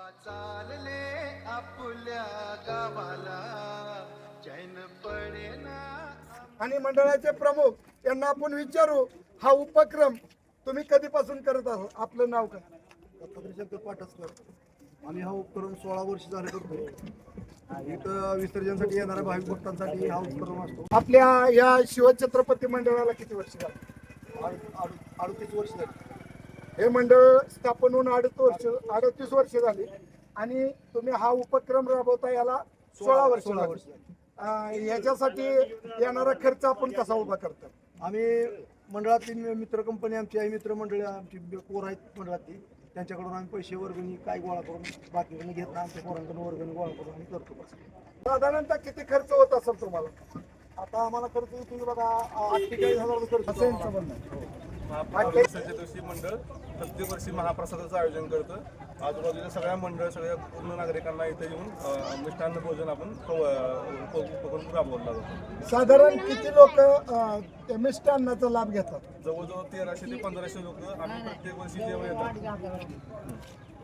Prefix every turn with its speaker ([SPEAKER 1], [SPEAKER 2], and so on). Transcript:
[SPEAKER 1] चालले आपल्या गावाला चैन पडेना.
[SPEAKER 2] आणि मंडळाचे प्रमुख यांना आपण विचारू, हा उपक्रम तुम्ही कधीपासून करत आहात? आपलं नाव काय?
[SPEAKER 3] दत्तात्रय पाठसकर. आम्ही हा उपक्रम 16 वर्ष झाले करतो. इथं विसर्जनासाठी येणाऱ्या भाविक भक्तांसाठी हा उपक्रम असतो.
[SPEAKER 2] आपल्या या शिवछत्रपती मंडळाला किती वर्ष झाली?
[SPEAKER 3] 38 वर्ष झाली.
[SPEAKER 2] हे मंडळ स्थापन होऊन 38 वर्ष झाली आणि तुम्ही हा उपक्रम राबवता याला 16 वर्ष झाली. याच्यासाठी येणारा खर्च आपण कसा उभा करता?
[SPEAKER 3] आम्ही मंडळातील मित्र कंपनी आमची आहे, मित्र मंडळी आमची पोर आहेत मंडळातील, त्यांच्याकडून आम्ही पैसे वर्गणी काय गोळा करून बाकीकडून घेत नाही, आमच्या पोरांकडून वर्गणी गोळा करून आम्ही करतो.
[SPEAKER 2] साधारणतः किती खर्च होत असेल तुम्हाला?
[SPEAKER 3] आता आम्हाला खर्च तुम्ही बघा 48,000 खर्च
[SPEAKER 2] असेल
[SPEAKER 3] होतो आम्हाला.
[SPEAKER 4] महाप्रसादाच्या दिवशी मंडळ प्रत्येक वर्षी महाप्रसादाचं आयोजन करतं. आजूबाजूच्या सगळ्या मंडळ, सगळ्या पूर्ण नागरिकांना इथे येऊन मिष्टान्न भोजन आपण उपक्रम राबवला जातो.
[SPEAKER 2] साधारण किती लोक मिष्टान्नाचा लाभ घेतात?
[SPEAKER 4] जवळजवळ 1300 ते 1500 लोक आम्ही प्रत्येक वर्षी जेव्हा येतात.